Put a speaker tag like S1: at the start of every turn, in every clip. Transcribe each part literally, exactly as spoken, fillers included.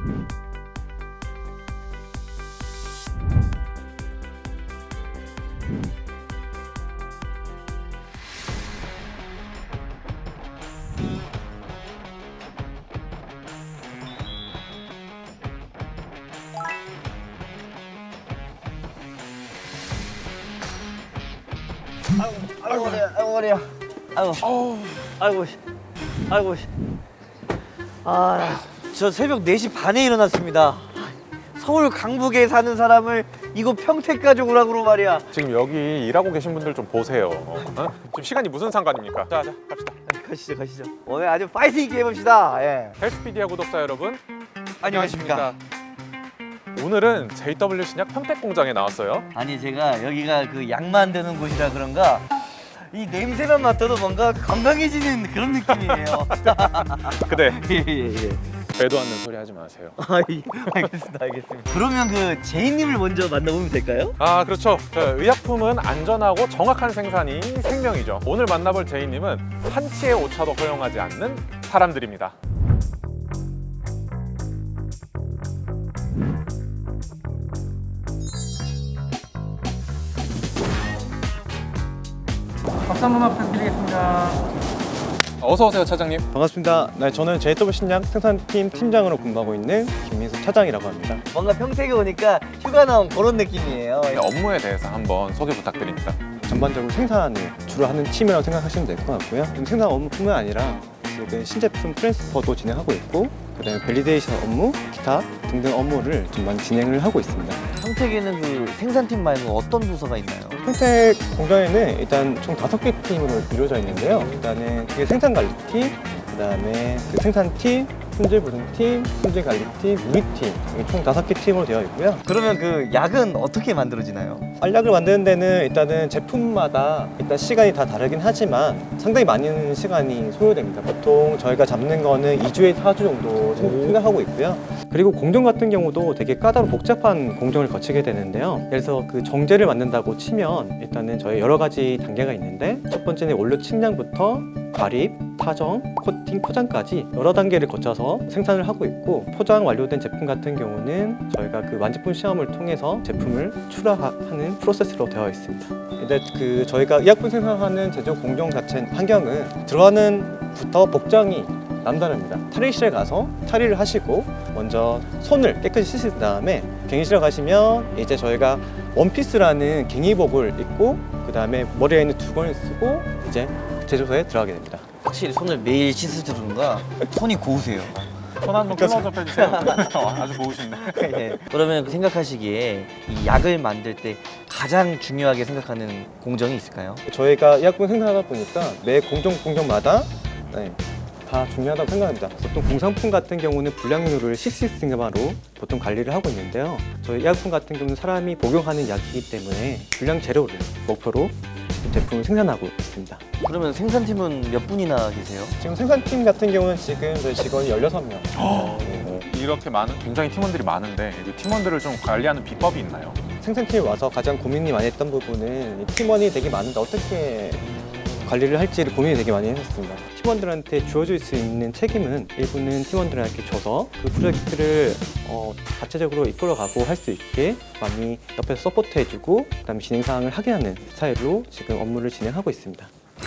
S1: 아이고, 아이고, 머리야, 아이고, 머리야. 아이고,
S2: 어우,
S1: 아이고, 씨. 아이고, 씨. 아, 저 새벽 네 시 반에 일어났습니다. 서울 강북에 사는 사람을 이곳 평택까지 오라고 말이야.
S2: 지금 여기 일하고 계신 분들 좀 보세요. 어? 지금 시간이 무슨 상관입니까? 자, 자, 갑시다.
S1: 가시죠, 가시죠. 오늘 아주 파이팅 있게 해봅시다. 예.
S2: 헬스피디아 구독자 여러분,
S1: 안녕하십니까.
S2: 오늘은 제이더블유 신약 평택 공장에 나왔어요.
S1: 아니, 제가 여기가 그 약 만드는 곳이라 그런가 이 냄새만 맡아도 뭔가 건강해지는 그런 느낌이에요.
S2: 그래,
S1: 예, 예, 예.
S2: 배도 않는 소리 하지 마세요.
S1: 아, 예. 알겠습니다, 알겠습니다. 그러면 그 제이님을 먼저 만나보면 될까요?
S2: 아, 그렇죠. 자, 의약품은 안전하고 정확한 생산이 생명이죠. 오늘 만나볼 제이님은 한치의 오차도 허용하지 않는 사람들입니다.
S3: 박수 한 번만 부탁드리겠습니다.
S2: 어서 오세요, 차장님.
S4: 반갑습니다. 네, 저는 제이더블유 신약 생산팀 팀장으로 근무하고 있는 김민수 차장이라고 합니다.
S1: 뭔가 평택에 오니까 휴가 나온 그런 느낌이에요.
S2: 네, 업무에 대해서 한번 소개 부탁드립니다.
S4: 전반적으로 생산을 주로 하는 팀이라고 생각하시면 될 것 같고요. 생산 업무뿐만 아니라 지금 신제품 트랜스퍼도 진행하고 있고, 그다음에 밸리데이션 업무, 기타 등등 업무를 좀 많이 진행을 하고 있습니다.
S1: 평택에는 그 생산팀 말고 어떤 부서가 있나요?
S4: 평택 공장에는 일단 총 다섯 개 팀으로 이루어져 있는데요. 일단은 그게 생산관리팀, 그다음에 그 생산팀, 품질보증팀, 품질관리팀, 우리팀 이게 총 다섯 개 팀으로 되어 있고요.
S1: 그러면 그 약은 어떻게 만들어지나요?
S4: 알약을 만드는 데는 일단은 제품마다 일단 시간이 다 다르긴 하지만 상당히 많은 시간이 소요됩니다. 보통 저희가 잡는 거는 이 주에서 사 주 정도 생각하고 있고요. 그리고 공정 같은 경우도 되게 까다롭고 복잡한 공정을 거치게 되는데요. 그래서 그 정제를 만든다고 치면 일단은 저희 여러 가지 단계가 있는데, 첫 번째는 원료 측량부터 발입, 타정, 코팅, 포장까지 여러 단계를 거쳐서 생산을 하고 있고, 포장 완료된 제품 같은 경우는 저희가 그 완제품 시험을 통해서 제품을 출하하는 프로세스로 되어 있습니다. 근데 그 저희가 의약품 생산하는 제조 공정 자체 환경은 들어가는 부터 복장이 남다릅니다. 탈의실에 가서 탈의를 하시고 먼저 손을 깨끗이 씻으신 다음에 갱의실에 가시면 이제 저희가 원피스라는 갱의복을 입고 그 다음에 머리에 있는 두건을 쓰고 이제 제조소에 들어가게 됩니다.
S1: 확실히 손을 매일 씻으시는가 손이 고우세요.
S2: 손 한번 클로즈업 해주세요. 아주 고우신데.
S1: 예. 그러면 그 생각하시기에 이 약을 만들 때 가장 중요하게 생각하는 공정이 있을까요?
S4: 저희가 의약품 생산하다 보니까 매 공정 공정마다 네, 다 중요하다고 생각합니다. 보통 공산품 같은 경우는 불량률을 식스 시그마로 보통 관리를 하고 있는데요. 저희 의약품 같은 경우는 사람이 복용하는 약이기 때문에 불량 제로를 목표로 제품을 생산하고 있습니다.
S1: 그러면 생산팀은 몇 분이나 계세요?
S4: 지금 생산팀 같은 경우는 지금 저희 직원이 열여섯 명. 네.
S2: 이렇게 많은 굉장히 팀원들이 많은데 이 팀원들을 좀 관리하는 비법이 있나요?
S4: 생산팀에 와서 가장 고민이 많이 했던 부분은 이 팀원이 되게 많은데 어떻게 관리를 할지를 고민이 되게 많이 했었습니다. 팀원들한테 주어질 수 있는 책임은 일부는 팀원들한테 줘서 그 프로젝트를 어, 자체적으로 이끌어가고 할 수 있게 많이 옆에서 서포트해주고 그다음에 진행 사항을 확인하는 스타일로 지금 업무를 진행하고 있습니다.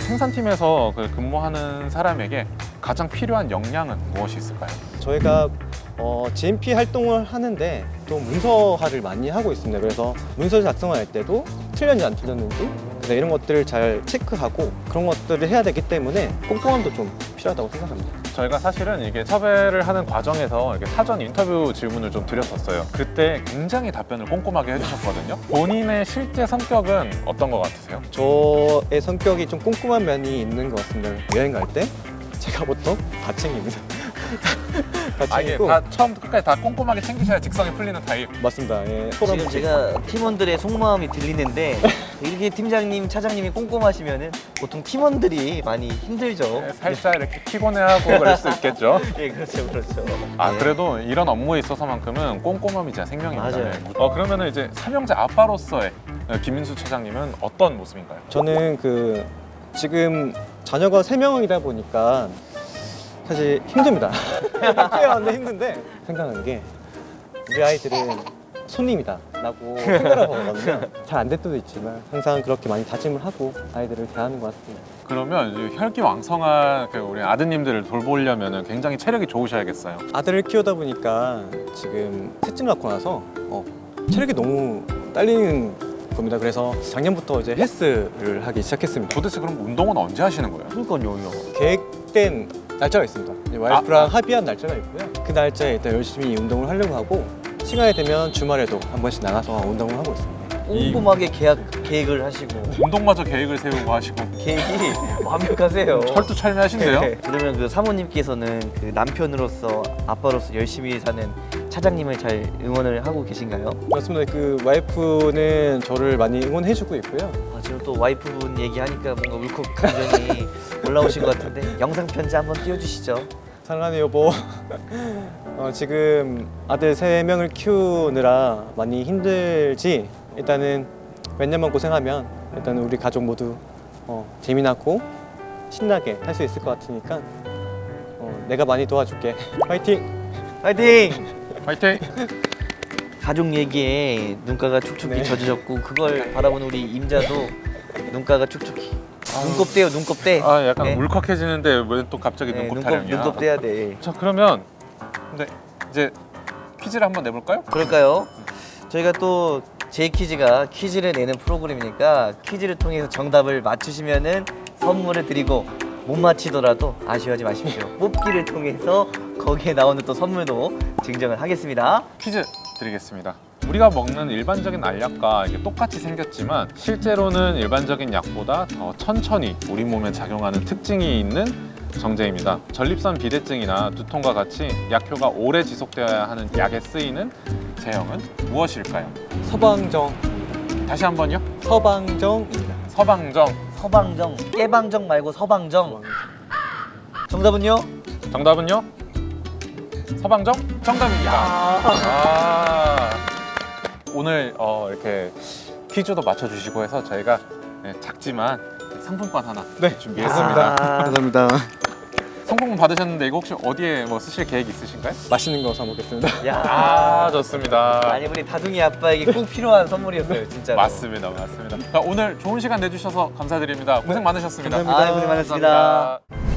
S2: 생산팀에서 그 근무하는 사람에게 가장 필요한 역량은 무엇이 있을까요?
S4: 저희가 어, 지엠피 활동을 하는데 또 문서화를 많이 하고 있습니다. 그래서 문서 작성할 때도 틀렸는지 안 틀렸는지 이런 것들을 잘 체크하고 그런 것들을 해야 되기 때문에 꼼꼼함도 좀 필요하다고 생각합니다.
S2: 저희가 사실은 이게 섭외를 하는 과정에서 이렇게 사전 인터뷰 질문을 좀 드렸었어요. 그때 굉장히 답변을 꼼꼼하게 해주셨거든요. 본인의 실제 성격은 어떤 것 같으세요?
S4: 저의 성격이 좀 꼼꼼한 면이 있는 것 같습니다. 여행 갈 때 제가 보통 다 챙깁니다. 다
S2: 아, 이게
S4: 챙기고
S2: 다 처음부터 끝까지 다 꼼꼼하게 챙기셔야 직성이 풀리는 타입.
S4: 맞습니다. 예.
S1: 지금 제가 팀원들의 속마음이 들리는데 이렇게 팀장님, 차장님이 꼼꼼하시면은 보통 팀원들이 많이 힘들죠.
S2: 네, 살짝 이렇게 피곤해하고 그럴 수 있겠죠.
S1: 예, 그렇죠, 그렇죠.
S2: 아,
S1: 예.
S2: 그래도 이런 업무에 있어서만큼은 꼼꼼함이 진짜 생명입니다.
S1: 맞아요.
S2: 네. 어, 그러면은 이제 삼형제 아빠로서의 김민수 차장님은 어떤 모습인가요?
S4: 저는 그 지금 자녀가 세 명이다 보니까 사실 힘듭니다. 깨어는데 힘든데 생각하는 게 우리 아이들은 손님이다 라고 생각하고 거거든요. 잘 안 될 때도 있지만 항상 그렇게 많이 다짐을 하고 아이들을 대하는 것 같습니다.
S2: 그러면 이제 혈기왕성한 그 우리 아드님들을 돌보려면 굉장히 체력이 좋으셔야겠어요.
S4: 아들을 키우다 보니까 지금 셋째 낳고 나서 어, 체력이 너무 딸리는 겁니다. 그래서 작년부터 이제 헬스를 하기 시작했습니다.
S2: 도대체 그럼 운동은 언제 하시는 거예요?
S1: 그러니까요.
S4: 계획된 날짜가 있습니다. 이제 와이프랑 합의한 날짜가 있고요. 그 날짜에 일단 열심히 운동을 하려고 하고 시간이 되면 주말에도 한 번씩 나가서 운동을 하고 있습니다.
S1: 꼼꼼하게 계약, 계획을 하시고
S2: 운동마저 계획을 세우고 하시고
S1: 계획이 완벽하세요.
S2: 철두철미하신데요?
S1: 네. 그러면 그 사모님께서는 그 남편으로서 아빠로서 열심히 사는 차장님을 잘 응원을 하고 계신가요?
S4: 맞습니다. 그 와이프는 저를 많이 응원해주고 있고요.
S1: 아, 지금 또 와이프분 얘기하니까 뭔가 울컥 감정이 올라오신 것 같은데 영상 편지 한번 띄워주시죠.
S4: 사랑하는 여보, 어, 지금 아들 세 명을 키우느라 많이 힘들지? 일단은 몇 년만 고생하면 일단 우리 가족 모두 어, 재미나고 신나게 할 수 있을 것 같으니까 어, 내가 많이 도와줄게. 파이팅!
S1: 파이팅!
S2: 파이팅!
S1: 가족 얘기에 눈가가 축축히
S4: 네.
S1: 젖어졌고 그걸 바라보는 우리 임자도 눈가가 축축히 눈곱대요 눈곱대.
S2: 아 약간
S1: 네.
S2: 울컥해지는데 왜 또 갑자기
S1: 네,
S2: 눈곱
S1: 눈곱,
S2: 타령이야?
S1: 눈곱대야 돼.
S2: 자 그러면 근데 이제 퀴즈를 한번 내볼까요?
S1: 그럴까요? 저희가 또 제이퀴즈가 퀴즈를 내는 프로그램이니까 퀴즈를 통해서 정답을 맞추시면은 선물을 드리고 못 맞히더라도 아쉬워하지 마십시오. 뽑기를 통해서 거기에 나오는 또 선물도 증정을 하겠습니다.
S2: 퀴즈 드리겠습니다. 우리가 먹는 일반적인 알약과 이게 똑같이 생겼지만 실제로는 일반적인 약보다 더 천천히 우리 몸에 작용하는 특징이 있는 정제입니다. 전립선 비대증이나 두통과 같이 약효가 오래 지속되어야 하는 약에 쓰이는 제형은 무엇일까요?
S4: 서방정,
S2: 다시 한 번요.
S4: 서방정입니다.
S2: 서방정.
S1: 서방정, 깨방정 말고 서방정. 정답은요?
S2: 정답은요? 서방정? 정답입니다. 아, 오늘 어, 이렇게 퀴즈도 맞춰주시고 해서 저희가 네, 작지만 상품권 하나
S4: 네,
S2: 준비했습니다.
S1: 아,
S4: 감사합니다.
S2: 상품권 받으셨는데 이거 혹시 어디에 뭐 쓰실 계획 있으신가요?
S4: 맛있는 거 사 먹겠습니다.
S1: 야,
S2: 아 좋습니다.
S1: 아니 우리 다둥이 아빠에게 꼭 필요한 선물이었어요, 진짜.
S2: 맞습니다, 맞습니다. 자, 오늘 좋은 시간 내주셔서 감사드립니다. 고생 많으셨습니다.
S4: 감사합니다.
S1: 아, 고생 많으셨습니다.
S2: 감사합니다.